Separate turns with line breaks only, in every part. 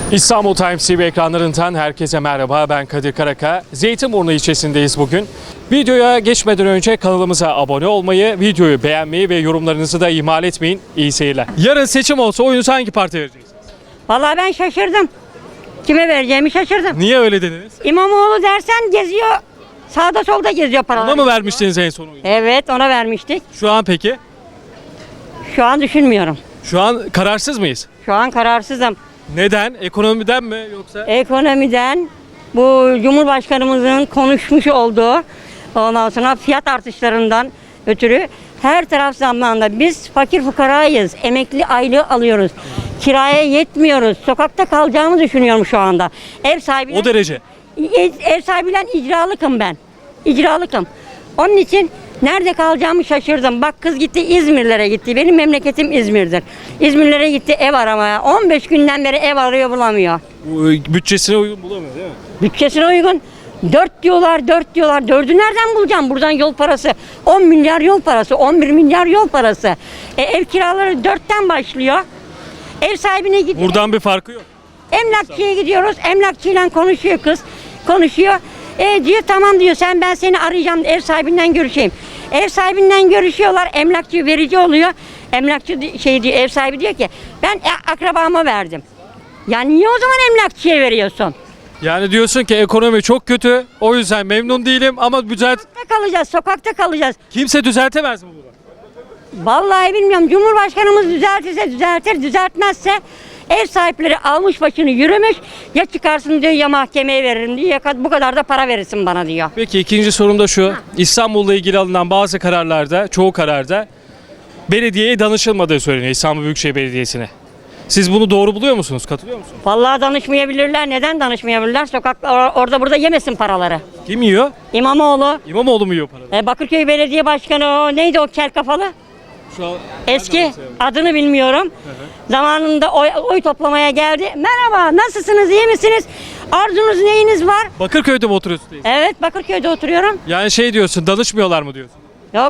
İstanbul Times TV ekranlarından herkese merhaba, ben Kadir Karaka. Zeytinburnu ilçesindeyiz bugün. Videoya geçmeden önce kanalımıza abone olmayı, videoyu beğenmeyi ve yorumlarınızı da ihmal etmeyin. İyi seyirler. Yarın seçim olsa oyunuzu hangi partiye vereceksiniz?
Vallahi ben şaşırdım. Kime vereceğimi şaşırdım.
Niye öyle dediniz?
İmamoğlu dersen geziyor. Sağda solda geziyor paraları.
Ona mı vermiştiniz en son oyunu?
Evet, ona vermiştik.
Şu an peki?
Şu an düşünmüyorum.
Şu an kararsız mıyız?
Şu an kararsızım.
Neden? Ekonomiden mi yoksa?
Ekonomiden, bu Cumhurbaşkanımızın konuşmuş olduğu, ondan sonra fiyat artışlarından ötürü her taraf zamlandı. Biz fakir fukarayız. Emekli aylığı alıyoruz. Kiraya yetmiyoruz. Sokakta kalacağımı düşünüyorum şu anda. Ev sahibiyle,
O derece.
ev sahibiyle icralıkım ben. İcralıkım. Onun için nerede kalacağımı şaşırdım. Bak, kız gitti, İzmirlere gitti. Benim memleketim İzmir'dir. İzmirlere gitti ev aramaya. 15 günden beri ev arıyor, bulamıyor.
Bütçesine uygun bulamıyor değil mi?
Bütçesine uygun. 4 diyorlar, 4 diyorlar. 4'ü nereden bulacağım? Buradan yol parası. 10 milyar yol parası, 11 milyar yol parası. Ev kiraları 4'ten başlıyor. Ev sahibine gidiyor.
Buradan bir farkı yok.
Emlakçıya gidiyoruz. Emlakçıyla konuşuyor kız. Konuşuyor. Diyor tamam diyor, ben seni arayacağım, ev sahibinden görüşeyim. Ev sahibinden görüşüyorlar. Emlakçı verici oluyor. Emlakçı diyor, ev sahibi diyor ki ben akrabama verdim. Yani niye o zaman emlakçıya veriyorsun?
Yani diyorsun ki ekonomi çok kötü, o yüzden memnun değilim ama
Sokakta kalacağız, sokakta kalacağız.
kimse düzeltemez mi bunu?
Vallahi bilmiyorum. Cumhurbaşkanımız düzeltirse düzeltir, düzeltmezse ev sahipleri almış başını yürümüş. Ya çıkarsın diyor, ya mahkemeye veririm diyor, ya bu kadar da para verirsin bana diyor.
Peki ikinci sorum da şu. İstanbul'la ilgili alınan bazı kararlarda, çoğu kararda belediyeye danışılmadığı söyleniyor, İstanbul Büyükşehir Belediyesi'ne. Siz bunu doğru buluyor musunuz? Katılıyor musunuz?
Vallahi danışmayabilirler. Neden danışmayabilirler? Sokakta orada burada yemesin paraları.
Kim yiyor?
İmamoğlu.
İmamoğlu mu yiyor paraları?
Bakırköy Belediye Başkanı, o neydi, o kel kafalı?
Şu an
Eski, adını bilmiyorum. Zamanında oy toplamaya geldi. Merhaba, nasılsınız, iyi misiniz? Arzunuz, neyiniz var?
Bakırköy'de mi oturuyorsunuz?
Evet, Bakırköy'de oturuyorum.
Yani şey diyorsun, danışmıyorlar mı diyorsun?
Yok.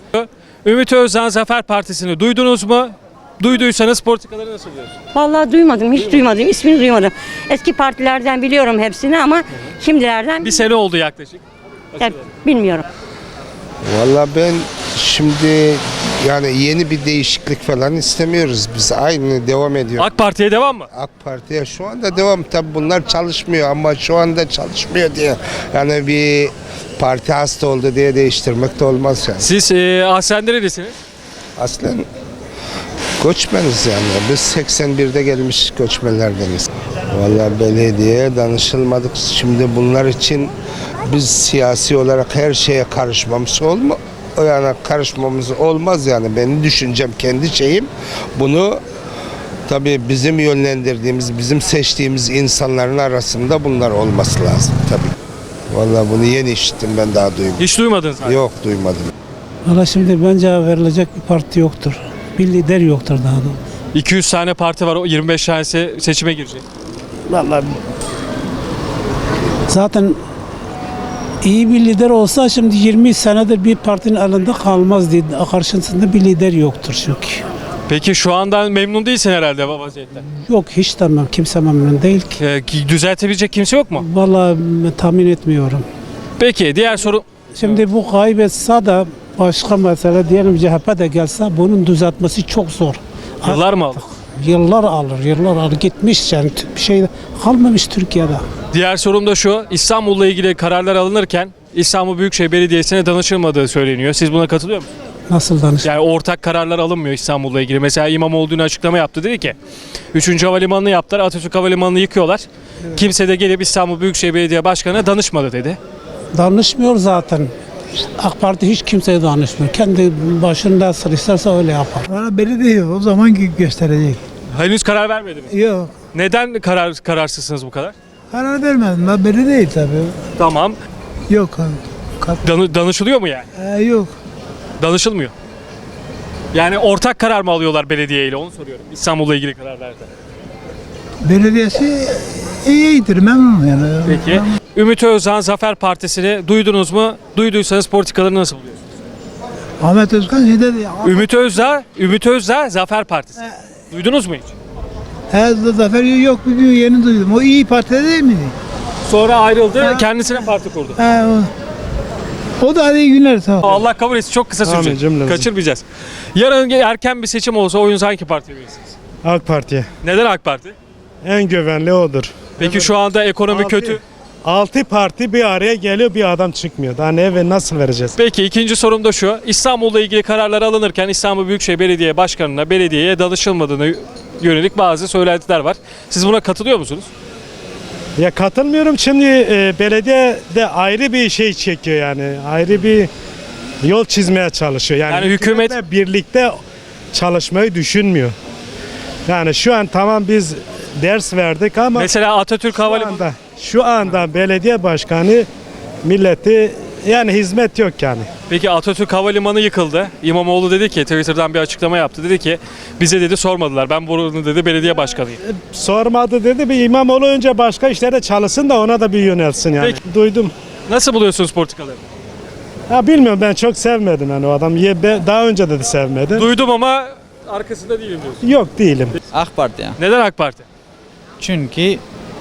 Ümit Özdağ Zafer Partisi'ni duydunuz mu? Duyduysanız politikaları nasıl diyorsun?
Vallahi duymadım, hiç duymadım. İsmini duymadım. Eski partilerden biliyorum hepsini ama şimdilerden
Bir sene oldu yaklaşık.
bilmiyorum.
Vallahi ben şimdi yani yeni bir değişiklik falan istemiyoruz. Biz aynı devam ediyor.
AK Parti'ye devam mı?
AK Parti'ye şu anda devam. Tabii bunlar çalışmıyor ama şu anda çalışmıyor diye. Yani bir parti hasta oldu diye değiştirmek de olmaz yani.
Siz aslen nerelisiniz?
Aslen göçmeniz yani. Biz 81'de gelmiş göçmenlerdeniz. Vallahi belediyeye danışılmadık. Şimdi bunlar için biz siyasi olarak her şeye karışmamız karışmamız olmaz yani. Benim düşüncem, kendi şeyim. Bunu tabii bizim yönlendirdiğimiz, bizim seçtiğimiz insanların arasında bunlar olması lazım tabii. Vallahi bunu yeni işittim, ben daha duymadım.
Hiç duymadınız mı?
Yok, duymadım.
Valla şimdi bence verilecek bir parti yoktur. Bir lider yoktur daha doğrusu.
200 tane parti var, o 25 tanesi seçime girecek.
Vallahi zaten iyi bir lider olsa şimdi 20 senedir bir partinin elinde kalmaz diye karşısında bir lider yoktur çünkü.
Peki şu andan memnun değilsin herhalde vaziyetten.
Yok, hiç tamam, kimse memnun değil ki.
Düzeltebilecek kimse yok mu?
Vallahi tahmin etmiyorum.
Peki diğer soru.
Şimdi bu kaybetse de başka mesele, diyelim CHP de gelse bunun düzeltmesi çok zor.
Yıllar mı aldı?
Yıllar alır. Gitmiş yani, bir şey kalmamış Türkiye'de.
Diğer sorum da şu. İstanbul'la ilgili kararlar alınırken İstanbul Büyükşehir Belediyesi'ne danışılmadığı söyleniyor. Siz buna katılıyor musunuz?
Nasıl danış?
Yani ortak kararlar alınmıyor İstanbul'la ilgili. Mesela İmamoğlu dün açıklama yaptı. Dedi ki 3. Havalimanı'nı yaptılar. Atatürk Havalimanı'nı yıkıyorlar. Evet. Kimse de gelip İstanbul Büyükşehir Belediye Başkanı'na danışmadı dedi.
Danışmıyor zaten. AK Parti hiç kimseye danışmıyor. Kendi başında nasıl isterse öyle yapar.
Bana belediye o zaman gösterecek.
Henüz karar vermedi mi?
Yok.
Neden kararsızsınız bu kadar?
Karar vermedim. Ben belli değil tabii.
Tamam.
Yok.
Danışılıyor mu yani?
Yok.
Danışılmıyor. Yani ortak karar mı alıyorlar belediye ile, onu soruyorum. İstanbul'la ilgili kararlarda.
Belediyesi iyidir, memnun yani.
Peki. Ümit Özdağ Zafer Partisi'ni duydunuz mu? Duyduysanız politikalarını nasıl buluyorsunuz?
Ahmet Özkan şey dedi.
Ümit Özdağ Zafer Partisi. Duydunuz mu hiç?
He Zafer yok bugün yeni duydum. O İyi Parti'de değil miydi?
Sonra ayrıldı, kendisine parti kurdu.
He o da hadi iyi günler sağ ol.
Allah kabul etsin, çok kısa sürecek.
cümlemizi.
Kaçırmayacağız. Yarın erken bir seçim olsa oyunuzu hangi partiye verirsiniz?
AK Parti'ye.
Neden AK Parti?
En güvenli odur.
Peki şu anda ekonomi kötü.
6 parti bir araya geliyor, bir adam çıkmıyor. Daha ne ve nasıl vereceğiz?
Peki ikinci sorum da şu. İstanbul'la ilgili kararlar alınırken İstanbul Büyükşehir Belediye Başkanı'na belediyeye danışılmadığını yönelik bazı söylentiler var. Siz buna katılıyor musunuz?
Ya katılmıyorum. Şimdi belediye de ayrı bir şey çekiyor yani. Ayrı bir yol çizmeye çalışıyor. Yani,
Yani hükümet-
hükümetle birlikte çalışmayı düşünmüyor. Yani şu an tamam biz ders verdik ama
Mesela Atatürk Havalimanı
şu anda belediye başkanı milleti yani hizmet yok yani.
Peki Atatürk Havalimanı yıkıldı. İmamoğlu dedi ki Twitter'dan bir açıklama yaptı. Dedi ki bize dedi sormadılar. Ben buranın dedi belediye başkanıyım.
Sormadı dedi, bir İmamoğlu önce başka işlere çalışsın da ona da bir yönelsin yani.
Peki.
Duydum.
Nasıl buluyorsunuz politikaları?
Ya bilmiyorum, ben çok sevmedim yani o adam. Daha önce de sevmedim.
Duydum ama arkasında değilim diyorsun.
Yok değilim.
AK Parti ya.
Neden AK Parti?
Çünkü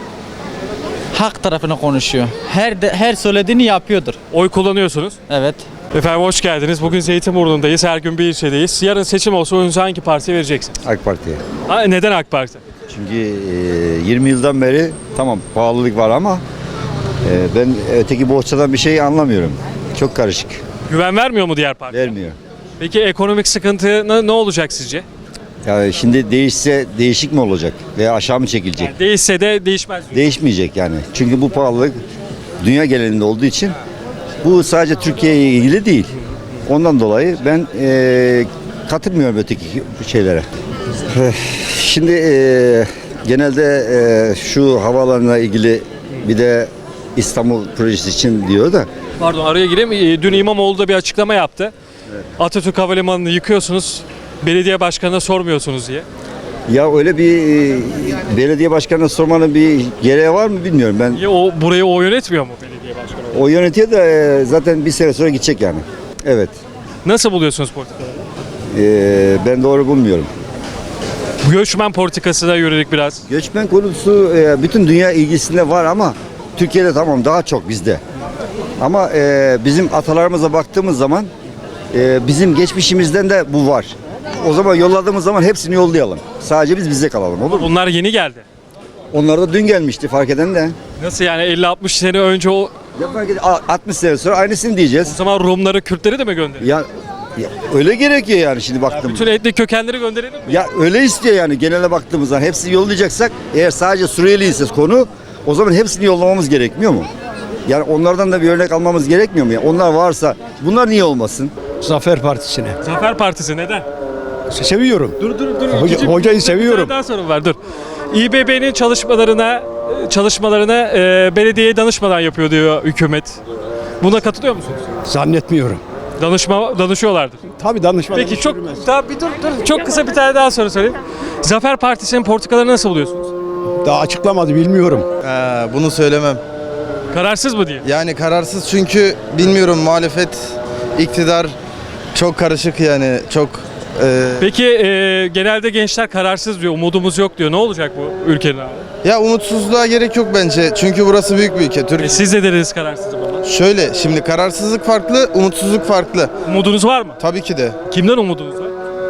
hak tarafını konuşuyor. Her söylediğini yapıyordur.
Oy kullanıyorsunuz.
Evet.
Efendim hoş geldiniz. Bugün Zeytinburnu'ndayız. Her gün bir ilçedeyiz. Yarın seçim olsa oyunuzu hangi partiye vereceksiniz?
AK Parti'ye.
Neden AK Parti?
Çünkü 20 yıldan beri tamam pahalılık var ama ben öteki bohçadan bir şey anlamıyorum. Çok karışık.
Güven vermiyor mu diğer parti?
Vermiyor.
Peki ekonomik sıkıntı ne olacak sizce?
Yani şimdi değişse değişik mi olacak veya aşağı mı çekilecek?
Yani değişse de değişmez. diyor.
Değişmeyecek yani. Çünkü bu pahalılık dünya genelinde olduğu için bu sadece Türkiye'ye ilgili değil. Ondan dolayı ben katılmıyorum öteki şeylere. Şimdi genelde şu havaalanına ilgili bir de İstanbul projesi için diyor da
Pardon araya gireyim. Dün İmamoğlu da bir açıklama yaptı. Atatürk Havalimanı'nı yıkıyorsunuz. Belediye başkanına sormuyorsunuz diye.
ya öyle bir belediye başkanına sormanın bir gereği var mı bilmiyorum. Ben
Ya burayı o yönetmiyor mu belediye başkanı?
o yönetiyor da zaten bir sene sonra gidecek yani. Evet.
Nasıl buluyorsunuz politikaları?
Ben doğru bulmuyorum.
Göçmen politikasına yönelik biraz.
Göçmen konusu bütün dünya ilgisinde var ama Türkiye'de tamam daha çok bizde. Ama bizim atalarımıza baktığımız zaman bizim geçmişimizden de bu var. O zaman yolladığımız zaman hepsini yollayalım. Sadece biz bize kalalım, olur mu?
Bunlar yeni geldi.
Onlar da dün gelmişti fark eden de.
Nasıl yani 50-60 sene önce o
Ya fark eden 60 sene sonra aynısını diyeceğiz.
zaman Rumları, Kürtleri de mi gönderiyor?
Ya öyle gerekiyor yani şimdi baktığımız.
Bütün etnik kökenleri gönderelim mi?
Ya öyle istiyor yani genele baktığımız zaman hepsini yollayacaksak eğer sadece Suriyeli ise konu o zaman hepsini yollamamız gerekmiyor mu? Yani onlardan da bir örnek almamız gerekmiyor mu? Yani onlar varsa bunlar niye olmasın?
Zafer Partisi'ne.
Zafer Partisi neden?
Seviyorum.
Dur.
Hocayı seviyorum.
Daha sorun var dur. İBB'nin çalışmalarına belediyeye danışmadan yapıyor diyor hükümet. Buna katılıyor musunuz?
Zannetmiyorum.
Danışıyorlardır.
Tabii danışmadan
Peki
iş
çok
yürümez.
daha bir dur. Çok kısa bir tane daha soru sorayım. Zafer Partisi'nin politikalarını nasıl buluyorsunuz?
Daha açıklamadı, bilmiyorum.
Bunu söylemem.
Kararsız mı diye?
Yani kararsız çünkü bilmiyorum muhalefet, iktidar çok karışık yani çok
Peki genelde gençler kararsız diyor, umudumuz yok diyor. Ne olacak bu ülkenin abi?
ya umutsuzluğa gerek yok bence. Çünkü burası büyük bir ülke.
Siz de dediniz kararsızım ama.
Şöyle şimdi kararsızlık farklı, umutsuzluk farklı.
Umudunuz var mı?
Tabii ki de.
Kimden umudunuz var?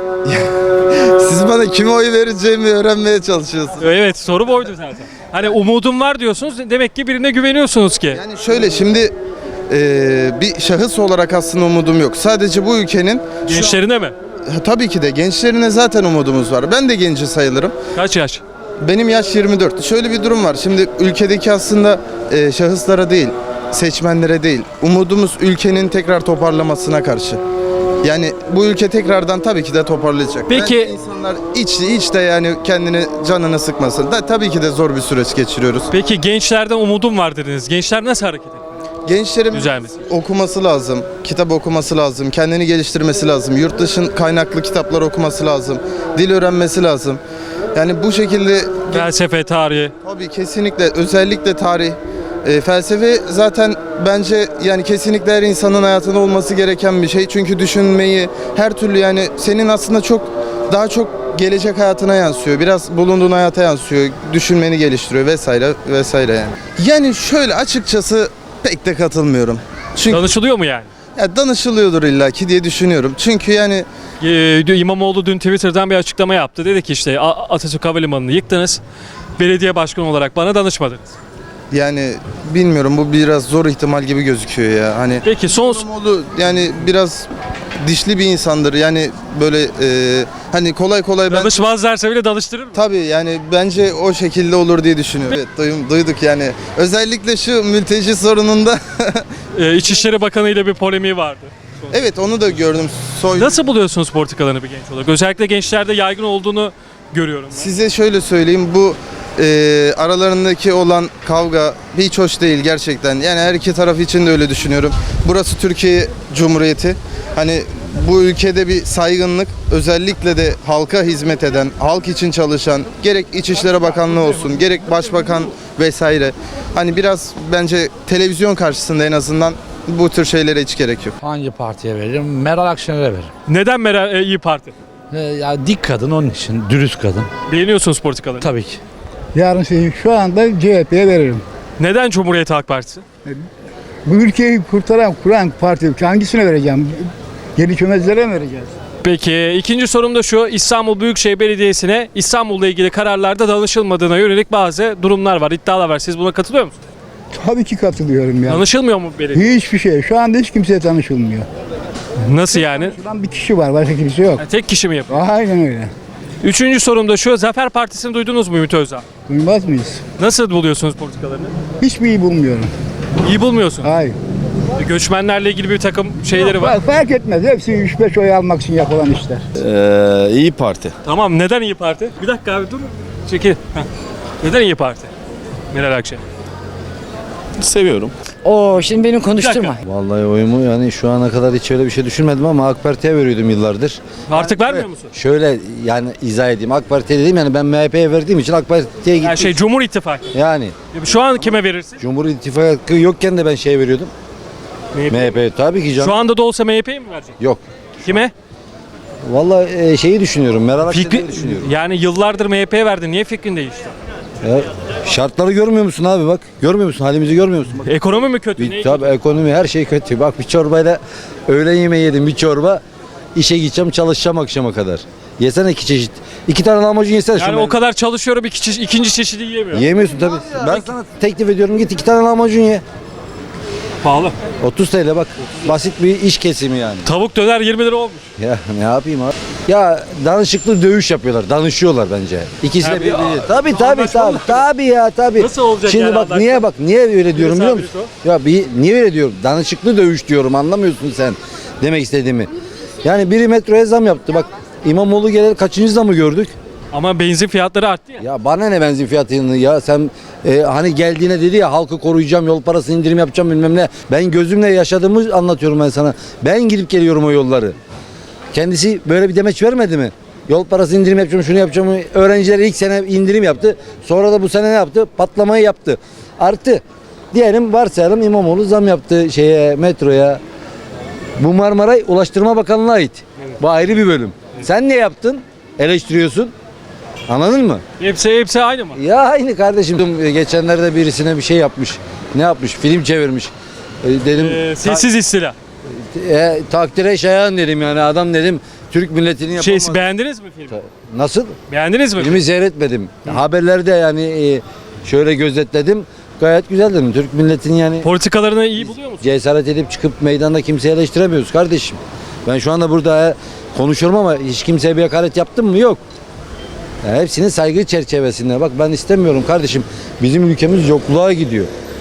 Siz bana kime oy vereceğimi öğrenmeye çalışıyorsunuz.
Evet soru buydu zaten. Hani umudum var diyorsunuz demek ki birine güveniyorsunuz ki.
Yani şöyle şimdi bir şahıs olarak aslında umudum yok. Sadece bu ülkenin
Gençlerine mi?
tabii ki de gençlerine zaten umudumuz var. Ben de genci sayılırım.
Kaç yaş?
Benim yaş 24. Şöyle bir durum var. Şimdi ülkedeki aslında şahıslara değil, seçmenlere değil. Umudumuz ülkenin tekrar toparlamasına karşı. Yani bu ülke tekrardan tabii ki de toparlayacak.
Peki-
Bence insanlar içte yani kendini canını sıkmasın. Tabii ki de zor bir süreç geçiriyoruz.
Peki gençlerden umudum var dediniz. Gençler nasıl hareket ediyor?
Gençlerin
Düzelmesi.
okuması lazım, kitap okuması lazım, kendini geliştirmesi lazım, yurt dışı kaynaklı kitaplar okuması lazım, dil öğrenmesi lazım. Yani bu şekilde
Felsefe, tarihi.
tabii kesinlikle özellikle tarih, felsefe zaten bence yani kesinlikle her insanın hayatında olması gereken bir şey. Çünkü düşünmeyi her türlü yani senin aslında daha çok gelecek hayatına yansıyor. Biraz bulunduğun hayata yansıyor. Düşünmeni geliştiriyor vesaire vesaire yani. Yani şöyle açıkçası pek de katılmıyorum. Çünkü
Danışılıyor mu yani?
ya danışılıyordur illaki diye düşünüyorum. Çünkü yani
İmamoğlu dün Twitter'dan bir açıklama yaptı. Dedi ki işte Atatürk Havalimanı'nı yıktınız. Belediye başkanı olarak bana danışmadınız.
yani bilmiyorum, bu biraz zor ihtimal gibi gözüküyor ya. Hani
Peki son
İmamoğlu yani biraz dişli bir insandır. Yani böyle hani kolay kolay ben
danışmazlarsa bile danıştırır mı?
tabii yani bence o şekilde olur diye düşünüyorum. Evet, duyduk yani. Özellikle şu mülteci sorununda
İçişleri Bakanı ile bir polemiği vardı.
evet, onu da gördüm.
Nasıl buluyorsunuz politikalarını bir genç olarak? Özellikle gençlerde yaygın olduğunu görüyorum. Ben.
Size şöyle söyleyeyim, bu aralarındaki olan kavga hiç hoş değil gerçekten. Yani her iki taraf için de öyle düşünüyorum. Burası Türkiye Cumhuriyeti. Hani bu ülkede bir saygınlık, özellikle de halka hizmet eden, halk için çalışan, gerek İçişleri Bakanlığı olsun, gerek Başbakan vesaire. Hani biraz bence televizyon karşısında en azından bu tür şeylere hiç gerek yok.
Hangi partiye veririm? Meral Akşener'e veririm.
Neden İyi Parti?
Ya dik kadın onun için, dürüst kadın.
Beğeniyorsunuz politikalarını.
Tabii ki.
Yarın seçim şu anda CHP'ye veririm.
Neden Cumhuriyet Halk Partisi?
Bu ülkeyi kuran parti hangisine vereceğim? Yeni çömezlere mi vereceğiz?
Peki ikinci sorum da şu. İstanbul Büyükşehir Belediyesi'ne İstanbul'la ilgili kararlarda danışılmadığına yönelik bazı durumlar var, iddialar var. Siz buna katılıyor musunuz?
Tabii ki katılıyorum ya.
Danışılmıyor mu belediye?
Hiçbir şey. Şu anda hiç kimseye tanışılmıyor.
Nasıl yani?
Şuradan bir kişi var, başka kimse yok.
Tek kişi mi yapıyor?
Aynen öyle.
Üçüncü sorum da şu. Zafer Partisi'ni duydunuz mu Ümit Özdağ?
Duymaz mıyız?
Nasıl buluyorsunuz politikalarını?
Hiçbir iyi bulmuyorum.
İyi bulmuyorsun.
Hayır.
Göçmenlerle ilgili bir takım şeyleri var.
Fark etmez. Hepsi 3-5 oy almak için yapılan işler.
İyi Parti.
Tamam, neden İyi Parti? Bir dakika abi dur. Çekil. Heh. Neden İyi Parti? Meral Akşener.
Seviyorum.
Oo, şimdi beni konuşturma.
Vallahi oyumu yani şu ana kadar hiç öyle bir şey düşünmedim ama AK Parti'ye veriyordum yıllardır.
Artık vermiyor musun?
Şöyle yani izah edeyim. AK Parti'ye dediğim yani ben MHP'ye verdiğim için AK Parti'ye gittim.
Yani Cumhur İttifakı.
Yani
Şu an kime verirsin?
Cumhur İttifakı yokken de ben şey veriyordum. MHP tabii ki canım.
Şu anda da olsa MHP'ye mi verecek?
Yok.
Kime?
Vallahi şeyi düşünüyorum. Meral Akşener'i düşünüyorum.
Yani yıllardır MHP'ye verdin. Niye fikrin değişti?
Ya, şartları görmüyor musun abi bak? Görmüyor musun? Halimizi görmüyor musun? Bak.
Ekonomi mi kötü?
Bir, tabii ekonomi her şey kötü. Bak bir çorbayla öğlen yemeği yedim bir çorba. İşe gideceğim çalışacağım akşama kadar. Yesene 2 çeşit. 2 tane lahmacun yesene.
Yani o kadar çalışıyorum ikinci çeşidi yiyemiyorum.
Yiyemiyorsun tabii. Ben sana teklif ediyorum git 2 tane lahmacun ye.
Pahalı.
30 TL bak. Basit bir iş kesimi yani.
Tavuk döner 20 lira olmuş.
Ya ne yapayım abi? Ya danışıklı dövüş yapıyorlar. Danışıyorlar bence. İkisi de
Tabii,
birbiri. Tabii
anlaşma mı?
tabii ya tabii.
Nasıl olacak
Şimdi
yani
bak
anlaşma?
niye öyle diyorum biliyor
Birisi
musun? Ya niye öyle diyorum? Danışıklı dövüş diyorum. Anlamıyorsun sen demek istediğimi. Yani biri metroya zam yaptı. Bak İmamoğlu geleli kaçıncı zamı gördük?
Ama benzin fiyatları arttı ya.
Ya bana ne benzin fiyatını ya sen hani geldiğine dedi ya halkı koruyacağım, yol parası indirim yapacağım bilmem ne. Ben gözümle yaşadığımı anlatıyorum ben sana. Ben gidip geliyorum o yolları. Kendisi böyle bir demeç vermedi mi? Yol parası indirim yapacağım, şunu yapacağım. Öğrencilere ilk sene indirim yaptı. Sonra da bu sene ne yaptı? Patlamayı yaptı. Artı diyelim varsayalım İmamoğlu zam yaptı metroya. Bu Marmaray Ulaştırma Bakanlığı'na ait. Bu ayrı bir bölüm. Sen ne yaptın? Eleştiriyorsun. Anladın mı?
Hepsi aynı mı?
Ya aynı kardeşim. Geçenlerde birisine bir şey yapmış. Ne yapmış? Film çevirmiş. Dedim
Sessiz istila.
takdire şayan dedim yani adam dedim Türk milletini yapamaz.
Beğendiniz mi filmi?
Nasıl?
Beğendiniz mi?
Filmi seyretmedim. Haberlerde yani şöyle gözetledim. Gayet güzel dedim. Türk milletini yani
Politikalarını iyi buluyor musun?
cesaret edip çıkıp meydanda kimseyi eleştiremiyoruz kardeşim. Ben şu anda burada konuşuyorum ama hiç kimseye bir hakaret yaptım mı? Yok. Yani hepsinin saygı çerçevesinde. Bak ben istemiyorum kardeşim. Bizim ülkemiz yokluğa gidiyor.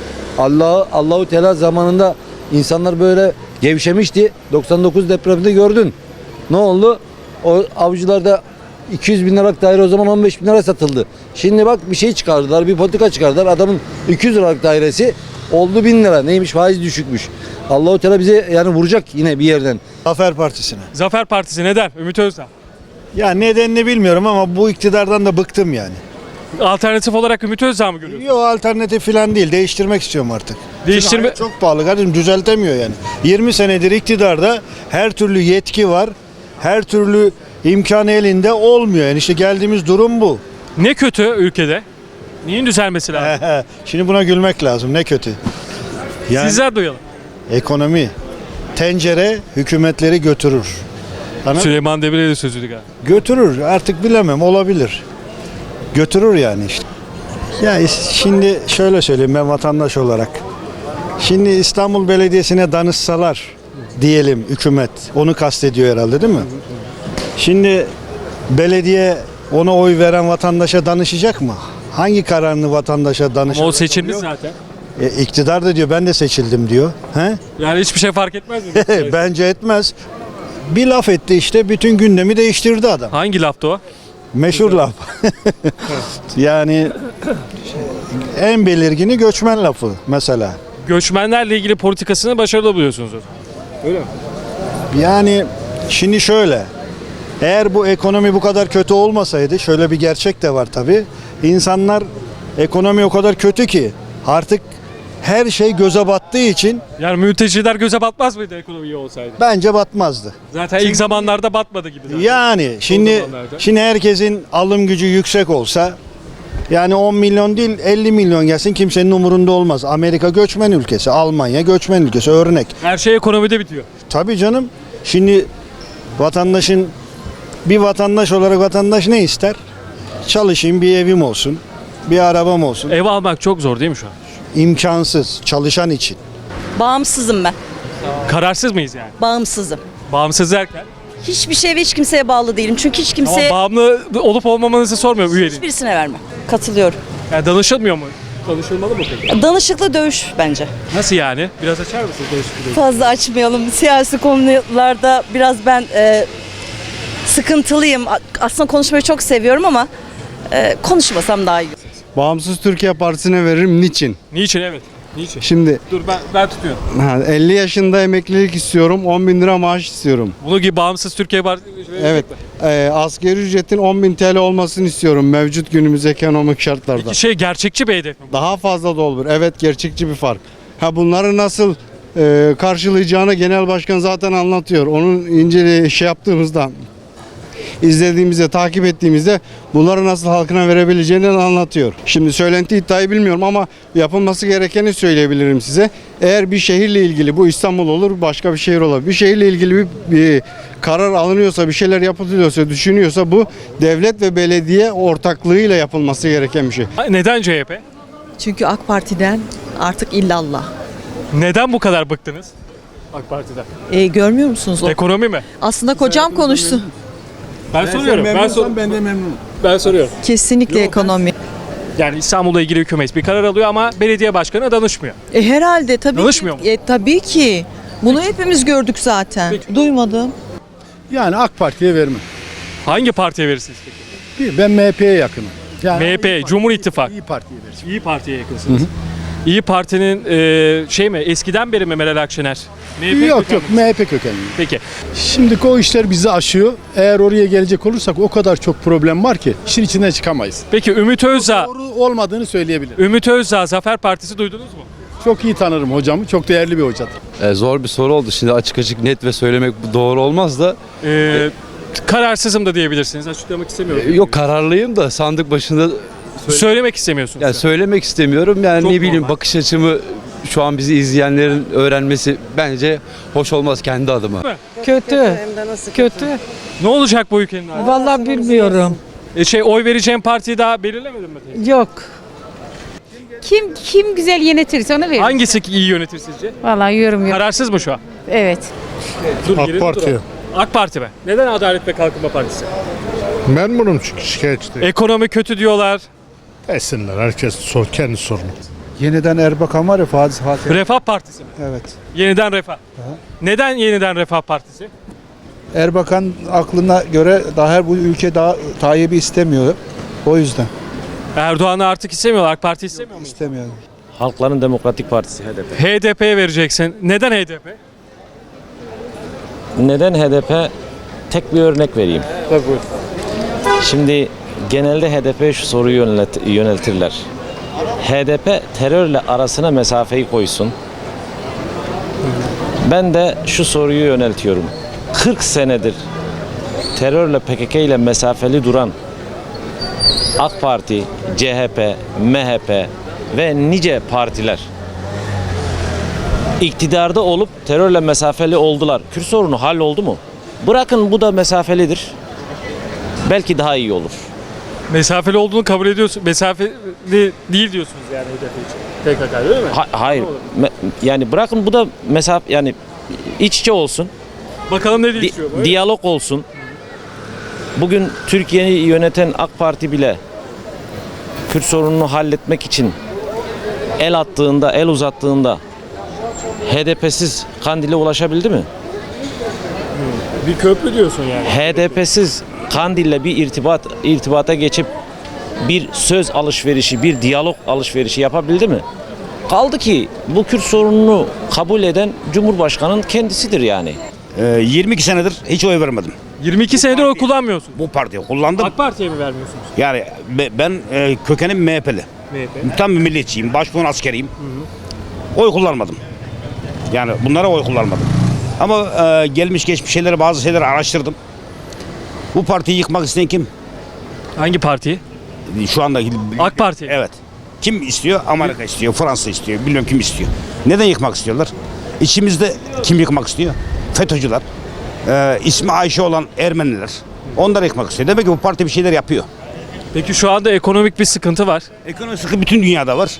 Allahu Teala zamanında insanlar böyle gevşemişti. 99 depreminde gördün. Ne oldu? O avcılarda 200 bin liralık daire o zaman 15 bin lira satıldı. Şimdi bak bir şey çıkardılar, bir politika çıkardılar. Adamın 200 liralık dairesi oldu 1000 lira. Neymiş? Faiz düşükmüş. Allahu Teala bize yani vuracak yine bir yerden.
Zafer Partisi'ne.
Zafer Partisi neden? Ümit Özdağ.
Ya nedenini bilmiyorum ama bu iktidardan da bıktım yani.
Alternatif olarak Ümit Özdağ mı görüyorsun?
Yok alternatif falan değil. Değiştirmek istiyorum artık.
Değiştirme...
Hayat çok pahalı kardeşim düzeltemiyor yani. 20 senedir iktidarda her türlü yetki var. Her türlü
imkanı elinde olmuyor. Yani işte geldiğimiz durum bu.
Ne kötü ülkede? Neyin düzelmesi lazım?
Şimdi buna gülmek lazım. Ne kötü. Yani
Sizler duyalım.
ekonomi, tencere hükümetleri götürür.
Süleyman Demirel'in sözüydü galiba.
Götürür. Artık bilemem, olabilir. Götürür yani işte. Ya şimdi şöyle söyleyeyim ben vatandaş olarak. Şimdi İstanbul Belediyesi'ne danışsalar diyelim hükümet. Onu kastediyor herhalde değil mi? Şimdi belediye ona oy veren vatandaşa danışacak mı? Hangi kararını vatandaşa danışacak?
Ama o seçilmiş zaten.
İktidar da diyor ben de seçildim diyor. He?
Yani hiçbir şey fark etmez mi?
Bence etmez. Bir laf etti işte bütün gündemi değiştirdi adam.
Hangi laftı o?
Meşhur laf. Yani en belirgini göçmen lafı mesela.
Göçmenlerle ilgili politikasını başarılı buluyorsunuz o zaman. Öyle mi?
Yani şimdi şöyle. Eğer bu ekonomi bu kadar kötü olmasaydı şöyle bir gerçek de var tabii. İnsanlar ekonomi o kadar kötü ki artık her şey göze battığı için
Yani mülteciler göze batmaz mıydı ekonomi iyi olsaydı?
bence batmazdı.
Zaten ilk zamanlarda batmadı gibi zaten.
Yani şimdi herkesin alım gücü yüksek olsa yani 10 milyon değil 50 milyon gelsin kimsenin umurunda olmaz. Amerika göçmen ülkesi, Almanya göçmen ülkesi örnek.
Her şey ekonomide bitiyor.
Tabii canım. Şimdi bir vatandaş olarak vatandaş ne ister? Çalışayım, bir evim olsun, bir arabam olsun.
Ev almak çok zor değil mi şu an?
İmkansız çalışan için.
Bağımsızım ben.
Kararsız mıyız yani?
Bağımsızım.
Bağımsız derken?
Hiçbir şeye ve hiç kimseye bağlı değilim. Çünkü hiç
Ama
kimseye
bağımlı olup olmamanızı sormuyorum üyeliğin.
hiçbirisine vermem. Katılıyorum.
Yani danışılmıyor mu? Danışılmalı mı peki?
Danışıklı dövüş bence.
Nasıl yani? Biraz açar mısınız danışıklı?
Fazla açmayalım. Siyasi konularda biraz ben sıkıntılıyım. Aslında konuşmayı çok seviyorum ama konuşmasam daha iyi.
Bağımsız Türkiye Partisi'ne veririm. Niçin?
Niçin evet? Niçin?
Şimdi
Dur ben tutuyorum.
50 yaşında emeklilik istiyorum. 10 bin lira maaş istiyorum.
Bunu gibi bağımsız Türkiye Partisi
Evet. Asgari ücretin 10 bin TL olmasını istiyorum mevcut günümüz ekonomik şartlarda.
Peki gerçekçi bir hedef mi?
Daha fazla da olur. Evet, gerçekçi bir fark. Bunları nasıl karşılayacağını genel başkan zaten anlatıyor. Onun yaptığımızda, izlediğimizde, takip ettiğimizde bunları nasıl halkına verebileceğini anlatıyor. Şimdi söylenti iddiayı bilmiyorum ama yapılması gerekeni söyleyebilirim size. Eğer bir şehirle ilgili, bu İstanbul olur, başka bir şehir olabilir. Bir şehirle ilgili bir karar alınıyorsa, bir şeyler yapılıyorsa, düşünüyorsa bu devlet ve belediye ortaklığıyla yapılması gereken bir şey.
Neden CHP?
Çünkü AK Parti'den artık illallah.
Neden bu kadar bıktınız AK Parti'den?
Görmüyor musunuz?
Ekonomi mi?
Aslında kocam konuştu.
Ben soruyorum.
Ben de memnunum.
Ben soruyorum.
Kesinlikle ekonomi.
Yani İstanbul'la ilgili hükümet bir karar alıyor ama belediye başkanı danışmıyor.
Herhalde tabii
Danışmıyor mu?
Tabii ki. Bunu hepimiz gördük zaten. Duymadım.
Yani AK Parti'ye vermem.
Hangi partiye verirsiniz peki?
Ben MHP'ye yakınım. Yani
MHP, Cumhur İttifakı.
İyi Parti'ye vereceğim.
İyi Parti'ye yakınsınız. İyi Parti'nin eskiden beri mi Meral Akşener? MHP
Yok
kökenli.
MHP kökenli.
Peki.
Şimdi o işler bizi aşıyor. Eğer oraya gelecek olursak o kadar çok problem var ki işin içinden çıkamayız.
Peki Ümit Özdağ,
Doğru olmadığını söyleyebilirim.
Ümit Özdağ Zafer Partisi duydunuz mu?
Çok iyi tanırım hocamı. Çok değerli bir hocadır.
Zor bir soru oldu. Şimdi açık net ve söylemek doğru olmaz da.
Kararsızım da diyebilirsiniz. Açıklamak istemiyorum.
Yok kararlıyım da sandık başında
Söylemek istemiyorsunuz.
yani söylemek istemiyorum. Yani
Çok
ne bileyim
normal.
bakış açımı şu an bizi izleyenlerin öğrenmesi bence hoş olmaz kendi adıma.
Kötü. Kötü.
Ne olacak bu ülkenin hali?
Vallahi bilmiyorum.
Oy vereceğim partiyi daha belirlemedin mi?
Yok. Kim güzel yönetirse ona verir.
Hangisi iyi yönetir sizce?
Vallahi yorum yok.
Kararsız mı şu an?
Evet.
AK Parti. AK Parti mi? Neden Adalet ve Kalkınma Partisi?
Memnunum çünkü şikayetçi değil.
Ekonomi kötü diyorlar.
Esinler. Herkes kendi sorunu.
Yeniden Erbakan var ya Fatih.
Refah Partisi mi?
Evet.
Yeniden Refah. Neden Yeniden Refah Partisi?
Erbakan aklına göre daha bu ülke daha Tayyip'i istemiyor. O yüzden
Erdoğan'ı artık istemiyorlar. AK Parti istemiyor mu?
istemiyor.
Halkların Demokratik Partisi HDP.
HDP'ye vereceksin. Neden HDP?
Neden HDP? Tek bir örnek vereyim. Şimdi genelde HDP'ye şu soruyu yöneltirler. HDP terörle arasına mesafeyi koysun. Ben de şu soruyu yöneltiyorum. 40 senedir
terörle PKK ile mesafeli duran AK Parti, CHP, MHP ve nice partiler iktidarda olup terörle mesafeli oldular. Kürt sorunu halloldu mu? Bırakın bu da mesafelidir. Belki daha iyi olur.
Mesafeli olduğunu kabul ediyorsun. Mesafeli değil diyorsunuz yani HDP için. PKK değil mi?
Hayır. Yani bırakın bu da mesafe yani iç içe olsun.
Bakalım ne değişiyor bu?
Diyalog olsun. Bugün Türkiye'yi yöneten AK Parti bile Kürt sorununu halletmek için el attığında, el uzattığında HDP'siz Kandil'e ulaşabildi mi?
Bir köprü diyorsun yani.
HDP'siz Kandil'le bir irtibata geçip bir söz alışverişi, bir diyalog alışverişi yapabildi mi? Kaldı ki bu Kürt sorununu kabul eden Cumhurbaşkanı'nın kendisidir yani.
22 senedir hiç oy vermedim.
22 senedir oy kullanmıyorsun.
Bu partiye kullandım.
AK Parti'ye mi vermiyorsunuz?
Yani ben kökenim MHP'li.
MHP.
Tam bir milliyetçiyim. Başbuğun askeriyim. Oy kullanmadım. Yani bunlara oy kullanmadım. Ama gelmiş geçmiş şeyleri, bazı şeyleri araştırdım. Bu partiyi yıkmak isteyen kim?
Hangi partiyi?
Şu anda
AK Parti.
Evet. Kim istiyor? Amerika istiyor, Fransa istiyor. Bilmiyorum kim istiyor. Neden yıkmak istiyorlar? İçimizde kim yıkmak istiyor? FETÖ'cüler. İsmi Ayşe olan Ermeniler. Onları yıkmak istiyor. Demek ki bu parti bir şeyler yapıyor.
Peki şu anda ekonomik bir sıkıntı var.
Ekonomik sıkıntı bütün dünyada var.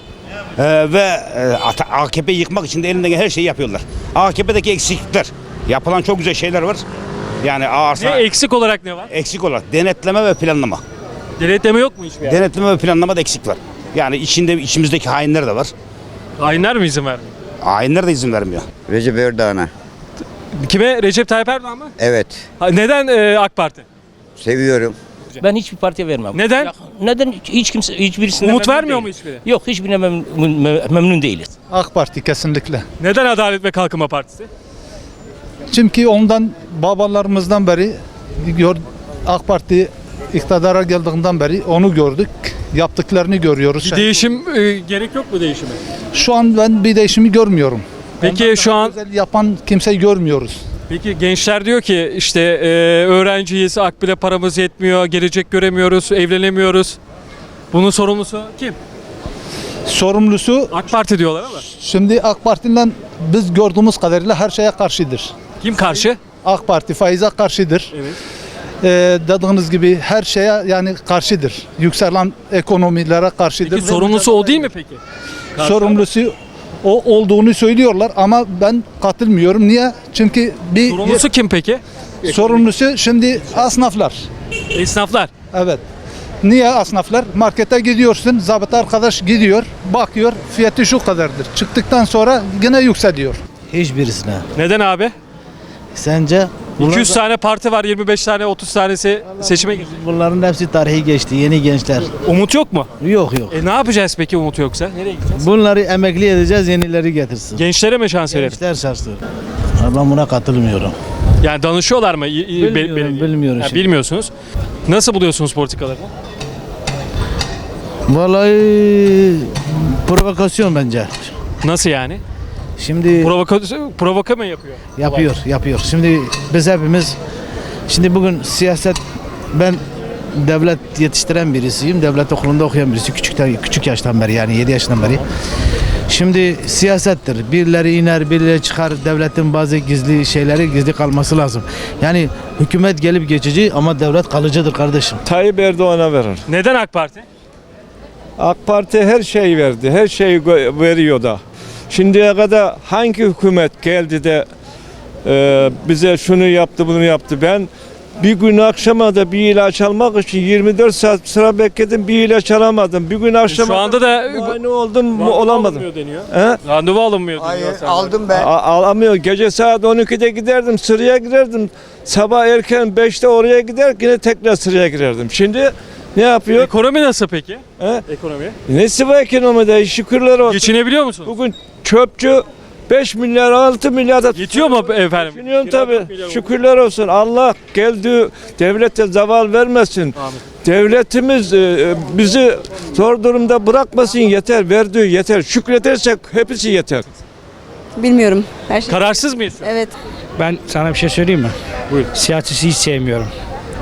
AKP'yi yıkmak için de elinden gelen her şeyi yapıyorlar. AKP'deki eksiklikler. Yapılan çok güzel şeyler var. Yani
Ne eksik olarak ne var?
eksik olarak denetleme ve planlama.
Denetleme yok mu hiçbir yerde?
Denetleme ve planlamada eksik var. Yani içimizdeki hainler de var.
Hainler mi izin vermiyor?
Hainler de izin vermiyor.
Recep Erdoğan'a.
Kime? Recep Tayyip Erdoğan mı?
Evet.
Neden AK Parti?
Seviyorum.
Ben hiçbir partiye vermem.
Neden?
Neden? Hiç kimse hiçbirisine
Umut
memnun
vermiyor mu
değiliz.
hiçbiri?
Yok, hiçbirine memnun değiliz.
AK Parti kesinlikle.
Neden Adalet ve Kalkınma Partisi?
Çünkü ondan babalarımızdan beri AK Parti iktidara geldiğinden beri onu gördük. Yaptıklarını görüyoruz.
Bir değişim gerek yok mu değişime?
Şu an ben bir değişimi görmüyorum.
Peki
Ondan
şu
daha
an
güzel yapan kimseyi görmüyoruz.
peki gençler diyor ki işte öğrenciyiz, akbile paramız yetmiyor, gelecek göremiyoruz, evlenemiyoruz. Bunun sorumlusu kim?
Sorumlusu
AK Parti diyorlar ama.
şimdi AK Parti'yle biz gördüğümüz kadarıyla her şeye karşıdır.
Kim karşı?
AK Parti faize karşıdır.
Evet.
Dediğiniz gibi her şeye yani karşıdır. Yükselen ekonomilere karşıdır.
Peki sorumlusu o değil mi peki?
Sorumlusu o olduğunu söylüyorlar ama ben katılmıyorum. Niye? Çünkü
Sorumlusu kim peki?
sorumlusu şimdi esnaflar.
Esnaflar.
Evet. Niye esnaflar? Markete gidiyorsun, zabıta arkadaş gidiyor, bakıyor, fiyatı şu kadardır. Çıktıktan sonra yine yükseliyor.
Hiçbirisine.
Neden abi?
Sence?
200 tane parti var, 25 tane, 30 tanesi seçime girecek.
Bunların hepsi tarihi geçti. Yeni gençler.
Umut yok mu?
Yok.
Ne yapacağız peki umut yoksa? Nereye gideceğiz?
Bunları emekli edeceğiz, yenileri getirsin.
Gençlere mi şans verelim?
Gençler şanslı. Ben buna katılmıyorum.
Yani danışıyorlar mı?
Bilmiyorum.
Ha, bilmiyorsunuz. Nasıl buluyorsunuz politikalarını?
Vallahi provokasyon bence.
Nasıl yani?
Şimdi
Provoka mı yapıyor?
yapıyor. Şimdi biz hepimiz bugün siyaset, ben devlet yetiştiren birisiyim. Devlet okulunda okuyan birisi. Küçük yaştan beri, yani 7 yaşından beri. Şimdi siyasettir. Birileri iner, birileri çıkar. Devletin bazı gizli kalması lazım. Yani hükümet gelip geçici ama devlet kalıcıdır kardeşim.
Tayyip Erdoğan'a verir.
Neden AK Parti?
AK Parti her şeyi verdi. Her şeyi veriyor da. Şimdiye kadar hangi hükümet geldi de bize şunu yaptı, bunu yaptı? Ben bir gün akşama da bir ilaç almak için 24 saat sıra bekledim, bir ilaç alamadım. Bir gün akşama
Şu anda da
muayene oldum, olamadım.
Deniyor.
He?
Randevu alınmıyor deniyor.
Aldım ben.
Alamıyor. Gece saat 12'de giderdim, sıraya girerdim. Sabah erken 5'te oraya gider, yine tekrar sıraya girerdim. Şimdi ne yapıyor?
Ekonomi nasıl peki?
He?
Ekonomi.
Nesi var ekonomide? Şükürler olsun.
Geçinebiliyor musun?
Bugün çöpçü 5 milyar 6 milyar da
Yetiyor mu efendim?
düşünüyorum tabii. Şükürler olsun. Allah geldi, devlete zaval vermesin.
Amin.
Devletimiz bizi zor durumda bırakmasın, yeter. Verdiği yeter. Şükredersek hepsi yeter.
Bilmiyorum. Her şey.
Kararsız mıyız?
Evet.
Ben sana bir şey söyleyeyim mi?
Buyur.
Siyaseti hiç sevmiyorum.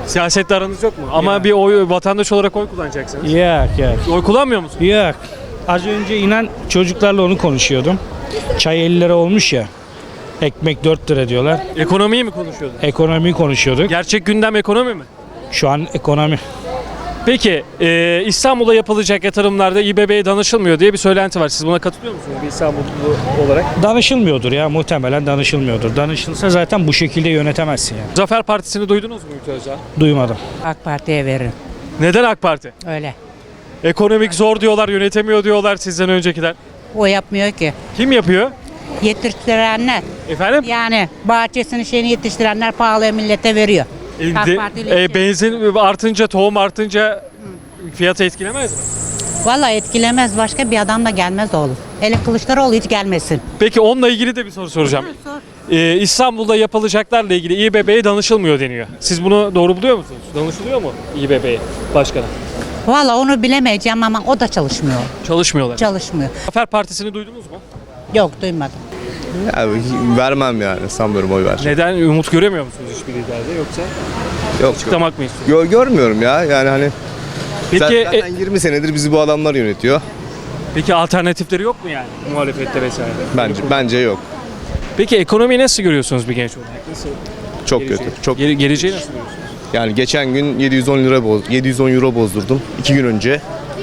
Siyasetle aranız yok mu? Ama bir vatandaş olarak oy kullanacaksınız.
Yok.
Oy kullanmıyor musunuz?
Yok. Az önce inan çocuklarla onu konuşuyordum. Çay 50 lira olmuş ya. Ekmek 4 lira diyorlar.
Ekonomiyi mi konuşuyordun?
Ekonomiyi konuşuyorduk.
Gerçek gündem ekonomi mi?
Şu an ekonomi.
Peki İstanbul'da yapılacak yatırımlarda İBB'ye danışılmıyor diye bir söylenti var. Siz buna katılıyor musunuz bir İstanbullu olarak?
Danışılmıyordur ya, muhtemelen danışılmıyordur. Danışılsa zaten bu şekilde yönetemezsin yani.
Zafer Partisi'ni duydunuz mu Ümit Özdağ?
Duymadım.
AK Parti'ye veririm.
Neden AK Parti?
Öyle.
Ekonomik zor diyorlar, yönetemiyor diyorlar sizden öncekiler.
O yapmıyor ki.
Kim yapıyor?
Yetiştirenler.
Efendim?
Yani bahçesini şeyini yetiştirenler pahalıya millete veriyor. AK Partili
Benzin artınca, tohum artınca fiyatı etkilemez mi?
Vallahi etkilemez. Başka bir adam da gelmez oğlum. Hele Kılıçdaroğlu hiç gelmesin.
Peki onunla ilgili de bir soru soracağım. İstanbul'da yapılacaklarla ilgili İBB'ye danışılmıyor deniyor. Siz bunu doğru buluyor musunuz? Danışılıyor mu İBB'ye başkana?
Vallahi onu bilemeyeceğim ama o da çalışmıyor.
Çalışmıyorlar.
Çalışmıyor.
Zafer Partisi'ni duydunuz mu?
Yok duymadım.
Ya, vermem yani, sanmıyorum oy ver.
Neden? Umut göremiyor musunuz hiçbir liderde yoksa?
Yok.
Açıklamak mı istiyorsunuz?
Görmüyorum ya, yani hani.
Peki,
Zaten 20 senedir bizi bu adamlar yönetiyor.
Peki alternatifleri yok mu yani muhalefette vesaire?
Bence yok.
Peki ekonomiyi nasıl görüyorsunuz bir genç olarak? Nasıl?
Çok
Geleceği?
kötü. Çok.
Geleceği nasıl görüyorsunuz?
Yani geçen gün 710 euro bozdurdum 2 gün önce.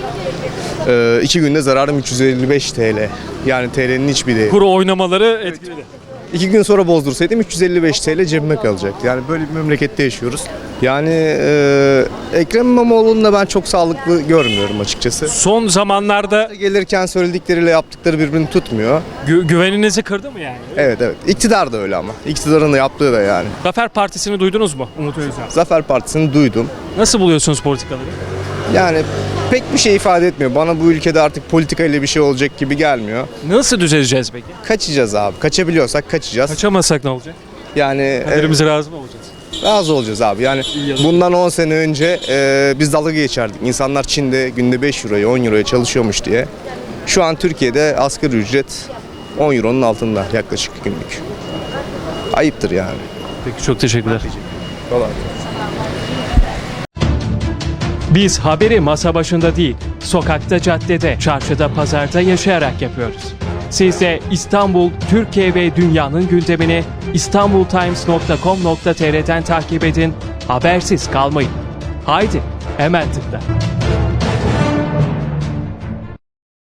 2 günde zararım 355 TL. Yani TL'nin hiçbir değeri.
Kuru oynamaları etkiledi.
2 gün sonra bozdursaydım 355 TL cebime kalacak. Yani böyle bir memlekette yaşıyoruz. Yani Ekrem İmamoğlu'nu da ben çok sağlıklı görmüyorum açıkçası.
Son zamanlarda
gelirken söyledikleriyle yaptıkları birbirini tutmuyor.
Güveninizi kırdı mı yani?
Evet. İktidar da öyle ama. İktidarın da yaptığı da yani.
Zafer Partisi'ni duydunuz mu Umut Özdağ?
Zafer Partisi'ni duydum.
Nasıl buluyorsunuz politikaları?
Yani pek bir şey ifade etmiyor. Bana bu ülkede artık politika ile bir şey olacak gibi gelmiyor.
Nasıl düzeleceğiz peki?
Kaçacağız abi. Kaçabiliyorsak kaçacağız.
Kaçamazsak ne olacak?
Yani
Kaderimize razı mı olacağız?
razı olacağız abi. Yani bundan 10 sene önce biz dalga geçerdik. İnsanlar Çin'de günde 5 euroya 10 euroya çalışıyormuş diye. Şu an Türkiye'de asgari ücret 10 euronun altında yaklaşık günlük. Ayıptır yani.
Peki çok teşekkürler.
Kolay.
Biz haberi masa başında değil, sokakta, caddede, çarşıda, pazarda yaşayarak yapıyoruz. Siz de İstanbul, Türkiye ve dünyanın gündemini istanbultimes.com.tr'den takip edin, habersiz kalmayın. Haydi, hemen tıkla.